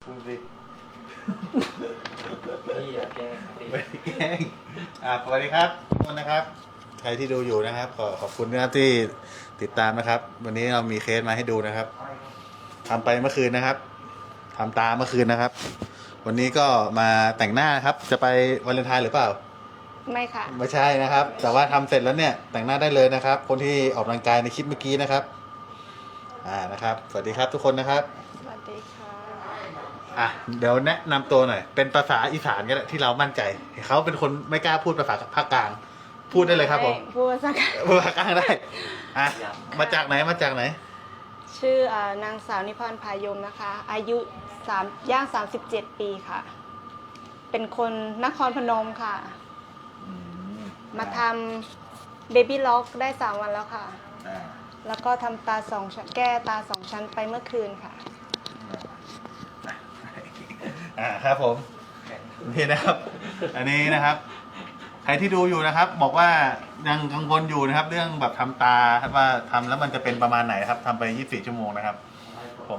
พูดสิพี่อย่าแกล้งพี่ไม่แกล้งสวัสดีครับทุกคนนะครับใครที่ดูอยู่นะครับขอบคุณนะครับที่ติดตามนะครับ วันนี้เรามีเคสมาให้ดูนะครับทำไปเมื่อคืนนะครับทำตาเมื่อคืนนะครับ วันนี้ก็มาแต่งหน้าครับจะไปวาเลนไทน์หรือเปล่าไม่ค่ะไม่ใช่นะครับ แต่ว่าทำเสร็จแล้วเนี่ยแต่งหน้าได้เลยนะครับ คนที่ออกกำลังกายในคลิปเมื่อกี้นะครับนะครับสวัสดีครับทุกคนนะครับสวัสดีค่ะเดี๋ยวแนะนำตัวหน่อยเป็นภาษาอีสานก็ได้ที่เรามั่นใจเขาเป็นคนไม่กล้าพูดภาษาภาคกลางพูดได้เลยครับผมพูดภาษาพูดภาคกลางได้มาจากไหนชื่อนางสาวนิพนธ์พายมนะคะอายุย่าง37 ปีค่ะเป็นคนนครพนมค่ะมาทำเบบี้ล็อกได้3 วันแล้วค่ะแล้วก็ทำตา2 ชั้นแก้ตา2 ชั้นไปเมื่อคืนค่ะครับผมนี่นะครับอันนี้นะครับใครที่ดูอยู่นะครับบอกว่ายังกังวลอยู่นะครับเรื่องแบบทำตาว่าทำแล้วมันจะเป็นประมาณไหนครับทำไป24 ชั่วโมงนะครับผม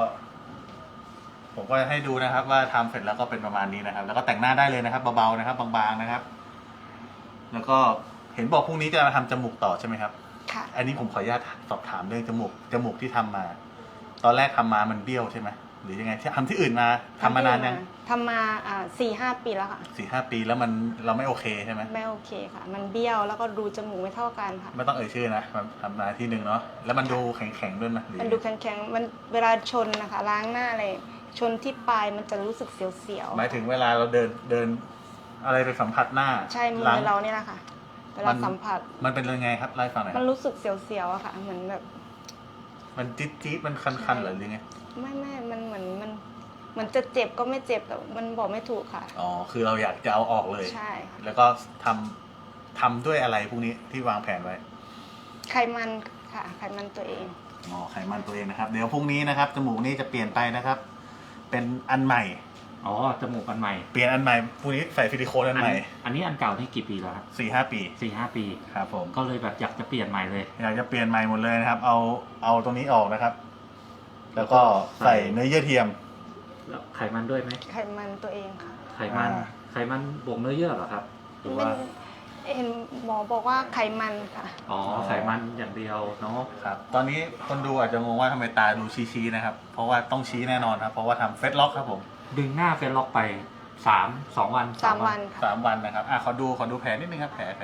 ก็ให้ดูนะครับว่าทำเสร็จแล้วก็เป็นประมาณนี้นะครับแล้วก็แต่งหน้าได้เลยนะครับเบาๆนะครับบางๆนะครับแล้วก็เห็นบอกพรุ่งนี้จะมาทำจมูกต่อใช่ไหมครับค่ะอันนี้ผมขออนุญาตสอบถามเรื่องจมูกที่ทำมาตอนแรกทำมามันเบี้ยวใช่ไหมหรือยังไงทำที่อื่นมาทำมานานยังทำมา4-5 ปีแล้วค่ะ 4-5 ปีแล้วเราไม่โอเคใช่ไหมไม่โอเคค่ะมันเบี้ยวแล้วก็รูจมูกไม่เท่ากันค่ะไม่ต้องเอ่ยชื่อนะมันทำมาที่หนึ่งเนาะแล้วมันดูแข็งๆด้วยไหมมันดูแข็งๆมันเวลาชนนะคะล้างหน้าอะไรชนที่ปลายมันจะรู้สึกเสียวๆหมายถึงเวลาเราเดินอะไรไปสัมผัสหน้าใช่มือเราเนี่ยแหละค่ะเวลาสัมผัสมันเป็นยังไงครับไล่ฟังหน่อยมันรู้สึกเสียวๆอะค่ะเหมือนแบบมันจี๊ดมันคันๆหรือไงไม่มันเหมือนมันจะเจ็บก็ไม่เจ็บแต่มันบอกไม่ถูกค่ะอ๋อคือเราอยากจะเอาออกเลยใช่แล้วก็ทำด้วยอะไรพวกนี้ที่วางแผนไว้ไขมันค่ะไขมันตัวเองไขมันตัวเองนะครับเดี๋ยวพรุ่งนี้นะครับจมูกนี้จะเปลี่ยนไปนะครับเป็นอันใหม่จมูกอันใหม่เปลี่ยนอันใหม่พรุ่งนี้ใส่ซิลิโคนอันใหม่อันนี้อันเก่านี่กี่ปีแล้วครับ 4-5 ปี 4-5 ปีครับผมก็เลยแบบอยากจะเปลี่ยนใหม่เลยอยากจะเปลี่ยนใหม่หมดเลยนะครับเอาตรงนี้ออกนะครับแล้วก็ใส่เนื้อเยื่อเทียมแล้วไขมันด้วยไหมไขมันตัวเองค่ะไขมันบวกเนื้อเยื่อเหรอครับหรือว่าเห็นหมอบอกว่าไขมันค่ะไขมันอย่างเดียวเนาะครับตอนนี้คนดูอาจจะงงว่าทำไมตาดูชี้นะครับเพราะว่าต้องชี้แน่นอนครับเพราะว่าทำเฟซล็อกครับผมดึงหน้าเฟซล็อกไป2 วัน 3 วันค่ะ3 วันนะครับขอดูแผลนิดนึงครับแผล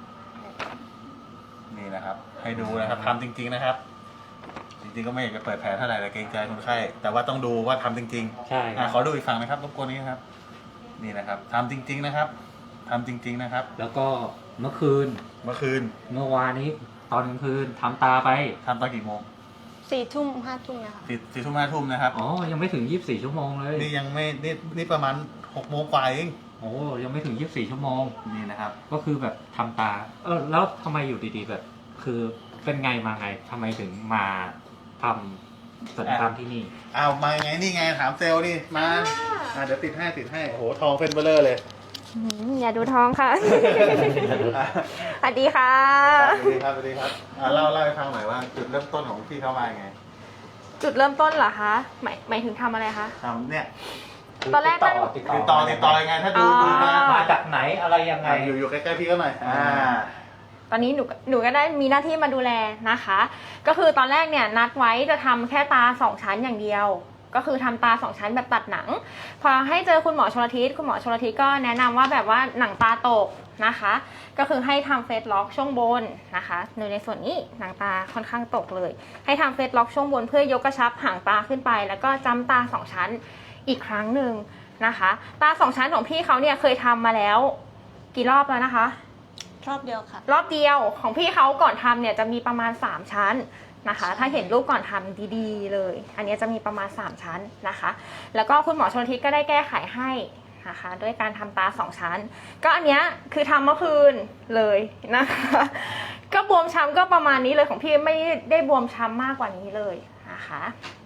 นี่นะครับให้ดูนะครับทำจริงๆนะครับจริงๆก็ไม่อยากจะเปิดแผลเท่าไหร่แต่เกรงใจคนไข้แต่ว่าต้องดูว่าทำจริงๆใช่ขอดูอีกฝั่งนะครับรบกวนนี้ครับนี่นะครับทำจริงๆนะครับทำจริงๆนะครับแล้วก็เมื่อคืนเมื่อวานนี้ตอนกลางคืนทำตาไปทำตอนกี่โมง 4 ทุ่ม 5 ทุ่มนะคะ 4 ทุ่ม 5 ทุ่มนะครับยังไม่ถึง24 ชั่วโมงเลยนี่ยังไม่นี่ประมาณ6 โมงกว่าเองยังไม่ถึง24 ชั่วโมงนี่นะครับก็คือแบบทำตาแล้วทำไมอยู่ดีๆแบบคือเป็นไงมาไงทำไมถึงมาทำศัลยกรรมที่นี่มาไงนี่ไงถามเซลล์นี่มาเดี๋ยวติดให้โอ้โหทองเป็นเบลเลอร์เลยอย่าดูท้องค่ะสวัสดีค่ะสวัสดีครับเล่าให้ฟังหน่อยว่าจุดเริ่มต้นของพี่เข้ามาไงจุดเริ่มต้นเหรอคะหมายถึงทำอะไรคะทำเนี่ยตอนแรกติดต่อยังไงถ้าดูมาจากไหนอะไรยังไงอยู่ใกล้ๆพี่ก็หน่อยตอนนี้หนูก็ได้มีหน้าที่มาดูแลนะคะก็คือตอนแรกเนี่ยนัดไว้จะทำแค่ตา2 ชั้นอย่างเดียวก็คือทำตา2 ชั้นแบบตัดหนังพอให้เจอคุณหมอชลทิศก็แนะนำว่าแบบว่าหนังตาตกนะคะก็คือให้ทำเฟซล็อกช่วงบนนะคะในส่วนนี้หนังตาค่อนข้างตกเลยให้ทำเฟซล็อกช่วงบนเพื่อยกกระชับหางตาขึ้นไปแล้วก็จำตา2 ชั้นอีกครั้งหนึ่งนะคะตา2 ชั้นของพี่เขาเนี่ยเคยทำมาแล้วกี่รอบแล้วนะคะรอบเดียวค่ะรอบเดียวของพี่เขาก่อนทำเนี่ยจะมีประมาณ3 ชั้นนะคะถ้าเห็นรูปก่อนทำดีๆเลยอันนี้จะมีประมาณ3 ชั้นนะคะแล้วก็คุณหมอชลทิศก็ได้แก้ไขให้นะคะด้วยการทำตา2 ชั้นก็อันเนี้ยคือทำเมื่อคืนเลยนะคะก็บวมช้ำก็ประมาณนี้เลยของพี่ไม่ได้บวมช้ำมากกว่านี้เลยนะคะฝ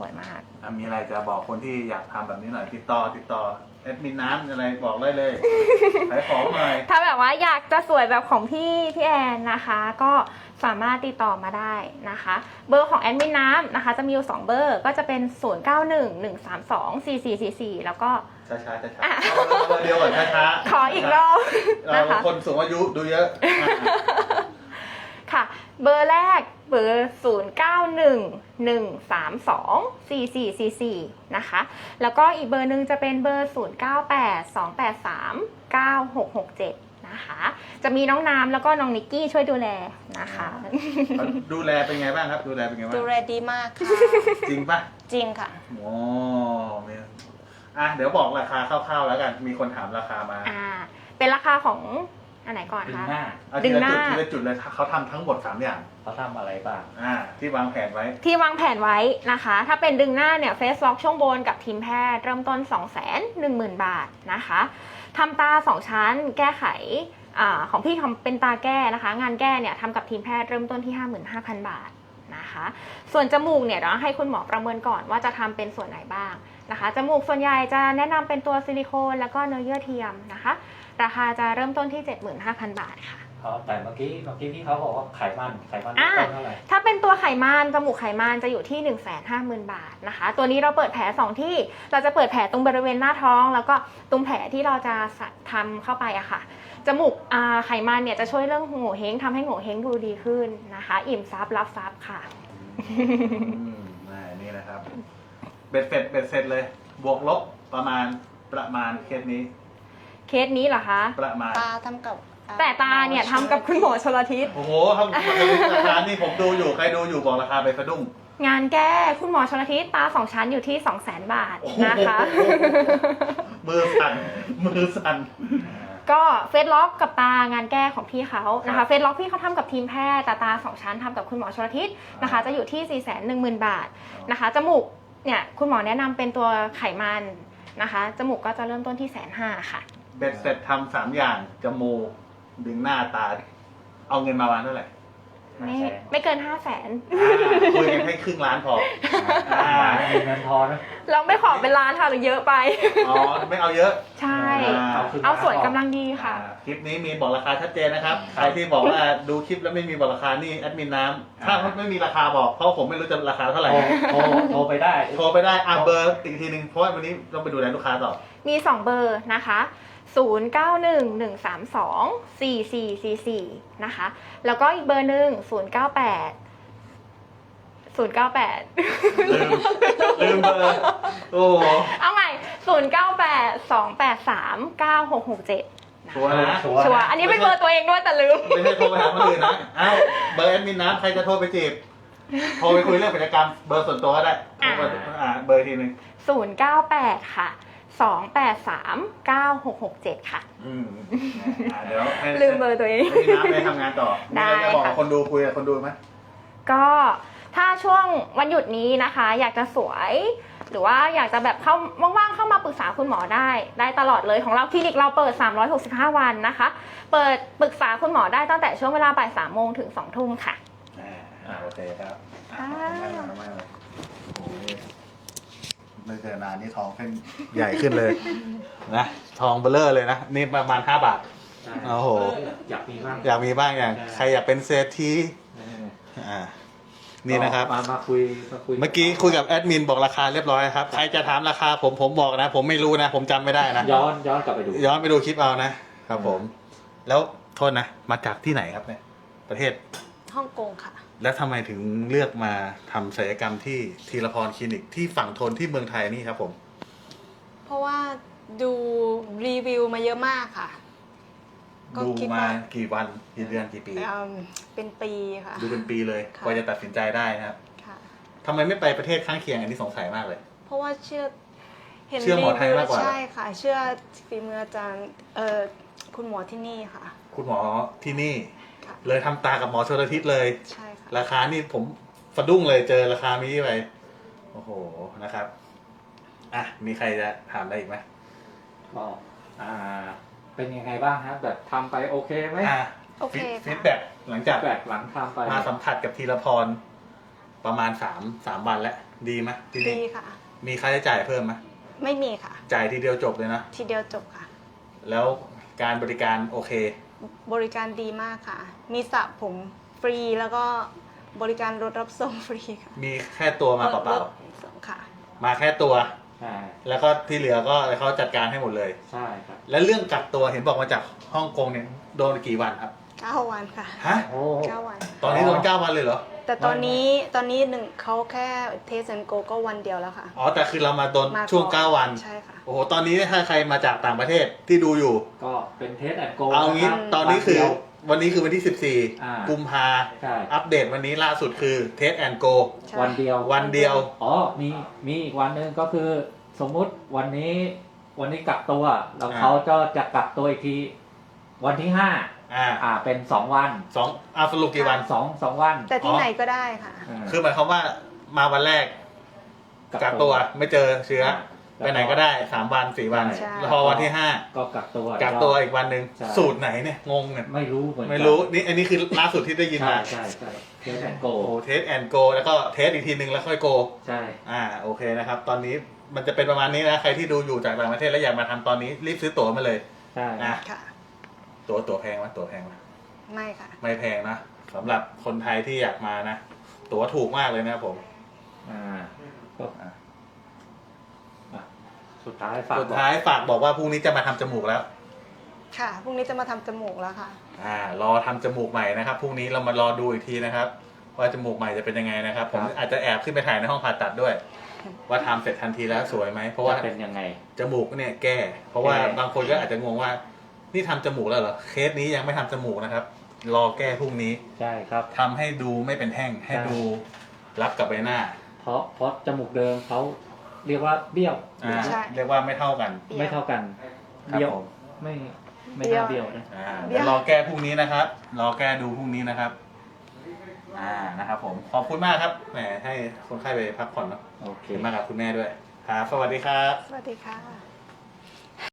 วยมากมีอะไรจะบอกคนที่อยากทำแบบนี้หน่อยติดต่อแอดมินน้ำอะไรบอกได้เลย ขายของหน่อยถ้าแบบว่าอยากจะสวยแบบของพี่แอนนะคะ ก็สามารถติดต่อมาได้นะคะ เบอร์ของแอดมินน้ำนะคะจะมีอยู่2เบอร์ก็จะเป็น 0911324444 แล้วก็ช้าเอาเบอร์เดียวก่อนช้าขออีกรอบเรานะคะคนสูงอายุดูเยอะค่ะ เบอร์แรกเบอร์ 0911324444 นะคะ แล้วก็อีกเบอร์หนึ่งจะเป็นเบอร์ 0982839667 นะคะ จะมีน้องน้ำแล้วก็น้องนิกกี้ช่วยดูแลนะคะดูแลเป็นไงบ้างครับ ดูแลเป็นไงบ้างดูแลดีมากค่ะจริงปะจริงค่ะโอ้เนี่ยเดี๋ยวบอกราคาคร่าวๆแล้วกัน มีคนถามราคามาเป็นราคาของอันไหนก่อนดึงคะหน้าเอาดึทีงละหน้าจุดทีละจุดเลยเขาทำทั้งหมด3อย่างเขาทำอะไรบ้างที่วางแผนไว้ที่วางแผนไว้นะคะ ถ้าเป็นดึงหน้าเนี่ยเฟสล็อกช่วงบนกับทีมแพทย์เริ่มต้น 210,000 บาทนะคะทำตา 2 ชั้นแก้ไขของพี่ทำเป็นตาแก้นะคะ งานแก้เนี่ยทำกับทีมแพทย์เริ่มต้นที่ 55,000 บาทนะคะ ส่วนจมูกเนี่ยเดี๋ยวให้คุณหมอประเมินก่อนว่าจะทำเป็นส่วนไหนบ้างนะคะจมูกส่วนใหญ่จะแนะนำเป็นตัวซิลิโคนแล้วก็เนื้อเยื่อเทียมนะคะ ราคาจะเริ่มต้นที่ 75,000 บาทค่ะแต่เมื่อกี้พี่เขาบอกว่าไขมันเริ่มต้นเท่าไหร่ถ้าเป็นตัวไขมันจมูกไขมันจะอยู่ที่ 150,000 บาทนะคะ ตัวนี้เราเปิดแผล2ที่เราจะเปิดแผลตรงบริเวณหน้าท้อง แล้วก็ตรงแผลที่เราจะทำเข้าไปอะค่ะจมูกไขมันเนี่ยจะช่วยเรื่องโง่เฮงทำให้โง่เฮงดูดีขึ้นนะคะ อิ่มซับรับซับค่ะนี่นะครับเบ็ดเสร็จเลย บวกลบประมาณเคสนี้เคสนี้เหรอคะประมาณตาทำกับแต่ตาเนี่ยทำกับคุณหมอชลทิศโอ้โหทำราคานี่ผมดูอยู่ใครดูอยู่บอกราคาไปสะดุ้งงานแก้คุณหมอชลทิศตา2 ชั้นอยู่ที่ 200,000 บาทนะคะมือสั่นก็เฟซล็อกกับตางานแก้ของพี่เขานะคะเฟซล็อกพี่เขาทำกับทีมแพทย์แต่ตา2 ชั้นทำกับคุณหมอชลทิศนะคะจะอยู่ที่ 410,000 บาทนะคะจมูกเนี่ยคุณหมอแนะนำเป็นตัวไขมันนะคะจมูกก็จะเริ่มต้นที่150,000ค่ะเบ็ดเสร็จทำ3อย่างจมูกดึงหน้าตา เอาเงินมาวางเท่าไหร่ไม่เกิน 500,000 คุยกันให้ครึ่งล้านพอมีเงินทอนนะเราไม่ขอเป็นล้านค่ะหรือเยอะไปอ๋อไม่เอาเยอะใช่ขึ้นเอาส่วนกำลังดีค่ะคลิปนี้มีบอกราคาชัดเจนนะครับ ใครที่บอกว่าดูคลิปแล้วไม่มีบอกราคานี่แอดมินน้ำถ้าไม่มีราคาบอกเพราะผมไม่รู้จะราคาเท่าไหร่โทรไปได้โทรไปได้เบอร์อีกทีนึงเพราะว่าวันนี้ต้องไปดูแลลูกค้าต่อมี 2 เบอร์นะคะ 0911324444 นะคะ แล้วก็อีกเบอร์หนึ่งลืมเบอร์ โอ้โหเอาใหม่ 0982839667 ชัวร์นะชัวร์อันนี้เป็นเบอร์ตัวเองด้วยแต่ลืมไม่ใช่โทรไปหาคนอื่นนะเอ้าเบอร์แอดมินน้ำใครจะโทรไปจีบโทรไปคุยเรื่องกิจกรรมเบอร์ส่วนตัวก็ได้โทรไปเบอร์ทีนึง 098 ค่ะ 2839667 ค่ะเดี๋ยวให้ลืมเบอร์ตัวเองให้น้ำไปทำงานต่อได้จะบอกค่ะคนดูคุยกับคนดูไหมก็ถ้าช่วงวันหยุดนี้นะคะ อยากจะสวย หรือว่าอยากจะแบบเข้าว่างๆเข้ามาปรึกษาคุณหมอได้ตลอดเลยของเราคลินิกเราเปิด365 วันนะคะ เปิดปรึกษาคุณหมอได้ตั้งแต่ช่วงเวลาบ่าย3 โมงถึง2 ทุ่มค่ะโอเคครับค่ะไม่เจอนานนี่ทองขึ้นใหญ่ขึ้นเลยนะทองเบลเลอร์เลยนะนี่ประมาณ5 บาท โอ้โหอยากมีบ้างอยากมีบ้างอย่างใครอยากเป็นเศรษฐีนี่นะครับมาคุยเมื่อกี้คุยกับแอดมินบอกราคาเรียบร้อยครับใครจะถามราคาผมบอกนะ ผมไม่รู้นะ ผมจำไม่ได้นะย้อนกลับไปดูย้อนไปดูคลิปเอานะครับผม แล้วโทษนะมาจากที่ไหนครับเนี่ยประเทศฮ่องกงค่ะแล้วทำไมถึงเลือกมาทำศัลยกรรมที่ธีรพรคลินิกที่ฝั่งทนที่เมืองไทยนี่ครับผมเพราะว่าดูรีวิวมาเยอะมากค่ะ ก็ดูคิดมาว่ากี่วันกี่เดือนกี่ปีเป็นปีค่ะดูเป็นปีเลยค่ะกว่าจะตัดสินใจได้นะครับค่ะทำไมไม่ไปประเทศข้างเคียงอันนี้สงสัยมากเลยเพราะว่าเชื่อเห็นเชื่อหมอไทยมากกว่าใช่ค่ะ เชื่อฝีมืออาจารย์คุณหมอที่นี่ค่ะคุณหมอที่นี่ค่ะเลยทำตากับหมอชลทิศเลยใช่ค่ะราคานี่ผมสะดุ้งเลยเจอราคานี้ไปโอ้โหนะครับมีใครจะถามอะไรอีกไหมก็เป็นยังไงบ้างครับแบบทำไปโอเคไหมโอเคค่ะฟีดแบ็กหลังจากแบบหลังทำไปมาสัมผัสกับธีรพรประมาณ3 วันแล้วดีไหมที่ดีนี่ค่ะมีค่าใช้จ่ายเพิ่มไหมไม่มีค่ะจ่ายทีเดียวจบเลยนะทีเดียวจบค่ะแล้วการบริการโอเคบริการดีมากค่ะ มีสระผมฟรีแล้วก็บริการรถรับส่งฟรีค่ะมีแค่ตัวมาเปล่ารถส่งค่ะๆมาแค่ตัวใช่แล้วก็ที่เหลือก็เขาจัดการให้หมดเลยใช่ครับแล้วเรื่องกักตัวเห็นบอกมาจากฮ่องกงเนี่ยโดนกี่วันครับ 9 วันค่ะฮะโอ้ 9 วันตอนนี้โดน9 วันเลยเหรอแต่ตอนนี้หนึ่งเขาแค่เทสแอนโกก็วันเดียวแล้วค่ะอ๋อแต่คือเรามาโดนมาช่วงก่อน 9 วันใช่ค่ะโอ้โหตอนนี้ถ้าใครมาจากต่างประเทศที่ดูอยู่ก็เป็นเทสแอนโกเอางี้ตอนนี้คือวันนี้คือวันที่อ่า 14 กุมภาใช่อัปเดตวันนี้ล่าสุดคือเทสแอนโกใช่วันเดียววันเดียวอ๋อ มีอีกวันหนึ่งก็คือสมมุติวันนี้กักตัวแล้วเขาจะกักตัวอีกทีวันที่ เป็น 2 วันสรุปกี่วัน 2 วันแต่ที่ไหนก็ได้ค่ะคือหมายความว่ามาวันแรกกักตัวไม่เจอเชื้อ ไปไหนก็ได้3 วัน4 วันใช่แล้วพอวันที่ก็กักตัว 5กักตัวอีกวันหนึ่งใช่สูตรไหนเนี่ยงงเนี่ยไม่รู้เหมือนกันไม่รู้นี่อันนี้คือล่าสุดที่ได้ยินใช่มาใช่เทสแอนโกโอ้เทสแอนโกแล้วก็เทสอีกทีนึงแล้วค่อยโกใช่โอเคนะครับ ตอนนี้มันจะเป็นประมาณนี้นะใครที่ดูอยู่จากต่างประเทศแล้วอยากมาทำตอนนี้รีบซื้อตั๋วมาเลยใช่อ่ะค่ะตั๋วแพงไหมตั๋วแพงไหมไม่ค่ะไม่แพงนะสำหรับคนไทยที่อยากมานะตั๋วถูกมากเลยนะครับผมก็สุดท้ายฝากสุดท้ายฝากบอกว่าพรุ่งนี้จะมาทำจมูกแล้วค่ะ พรุ่งนี้จะมาทำจมูกแล้วค่ะรอทำจมูกใหม่นะครับพรุ่งนี้เรามารอดูอีกทีนะครับ ว่าจมูกใหม่จะเป็นยังไงนะครับ ผมอาจจะแอบขึ้นไปถ่ายในห้องผ่าตัดด้วย ว่าทำเสร็จทันทีแล้วสวยไหมเพราะว่าจะเป็นยังไงจมูกเนี่ยแก้ เพราะว่าแก้บางคนก็อาจจะงงว่า นี่ทำจมูกแล้วเหรอเคสนี้ยังไม่ทำจมูกนะครับ รอแก้พรุ่งนี้ใช่ครับทำให้ดูไม่เป็นแท่งให้ใช่ดูรับกับใบหน้าเพราะจมูกเดิมเขาเรียกว่าเบี้ยวใช่เรียกว่าไม่เท่ากันไม่เท่ากันครับเบี้ยวผมไม่น่าเบี้ยวนะเดี๋ยวรอแก้พรุ่งนี้นะครับ รอแก้ดูพรุ่งนี้นะครับ นะครับผม ขอบคุณมากครับ แหม ให้คนไข้ไปพักผ่อนเนาะโอเคขอบคุณมากครับคุณแม่ด้วย ครับ สวัสดีครับสวัสดีค่ะ